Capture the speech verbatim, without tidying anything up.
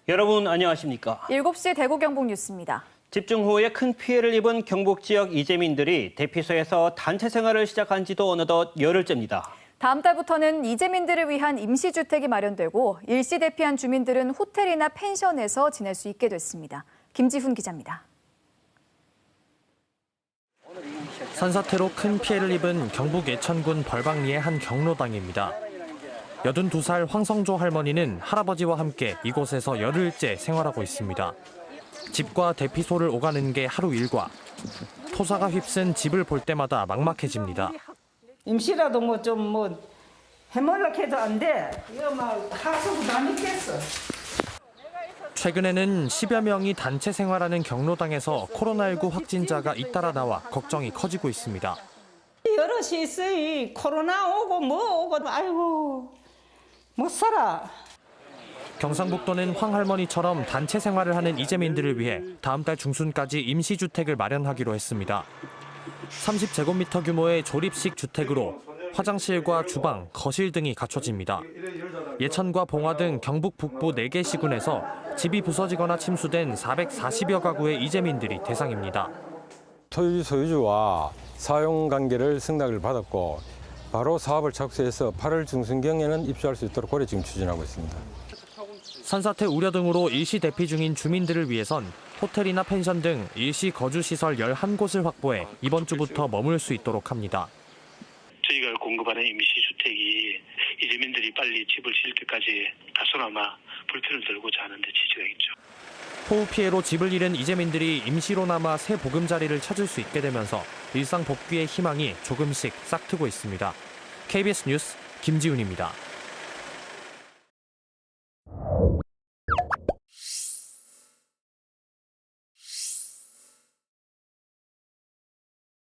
여러분 안녕하십니까? 일곱 시 대구 경북 뉴스입니다. 집중호우에 큰 피해를 입은 경북 지역 이재민들이 대피소에서 단체 생활을 시작한 지도 어느덧 열흘째입니다. 다음 달부터는 이재민들을 위한 임시주택이 마련되고 일시 대피한 주민들은 호텔이나 펜션에서 지낼 수 있게 됐습니다. 김지훈 기자입니다. 산사태로 큰 피해를 입은 경북 예천군 벌방리의 한 경로당입니다. 여든두 살 황성조 할머니는 할아버지와 함께 이곳에서 열흘째 생활하고 있습니다. 집과 대피소를 오가는 게 하루 일과. 토사가 휩쓴 집을 볼 때마다 막막해집니다. 임시라도 뭐 좀 뭐 해먹으려고 해도 안 돼. 이거 막 하수구 다 믿겠어. 최근에는 십여 명이 단체 생활하는 경로당에서 코로나십구 확진자가 잇따라 나와 걱정이 커지고 있습니다. 여럿이 있어요. 코로나 오고 뭐 오고 아이고 못 살아. 경상북도는 황 할머니처럼 단체 생활을 하는 이재민들을 위해 다음 달 중순까지 임시주택을 마련하기로 했습니다. 삼십 제곱미터 규모의 조립식 주택으로 화장실과 주방, 거실 등이 갖춰집니다. 예천과 봉화 등 경북 북부 네 개 시군에서 집이 부서지거나 침수된 사백사십여 가구의 이재민들이 대상입니다. 토지 소유주와 사용관계를 승낙을 받았고 바로 사업을 착수해서 팔월 중순경에는 입주할 수 있도록 고려 지금 추진하고 있습니다. 산사태 우려 등으로 일시 대피 중인 주민들을 위해선 호텔이나 펜션 등 일시 거주시설 열한 곳을 확보해 이번 주부터 머물 수 있도록 합니다. 저희가 공급하는 임시주택이 이재민들이 빨리 집을 지을 때까지 다소나마 불편을 들고자 하는 데 지지가 있죠. 호우 피해로 집을 잃은 이재민들이 임시로나마 새 보금자리를 찾을 수 있게 되면서 일상 복귀의 희망이 조금씩 싹트고 있습니다. 케이비에스 뉴스 김지훈입니다.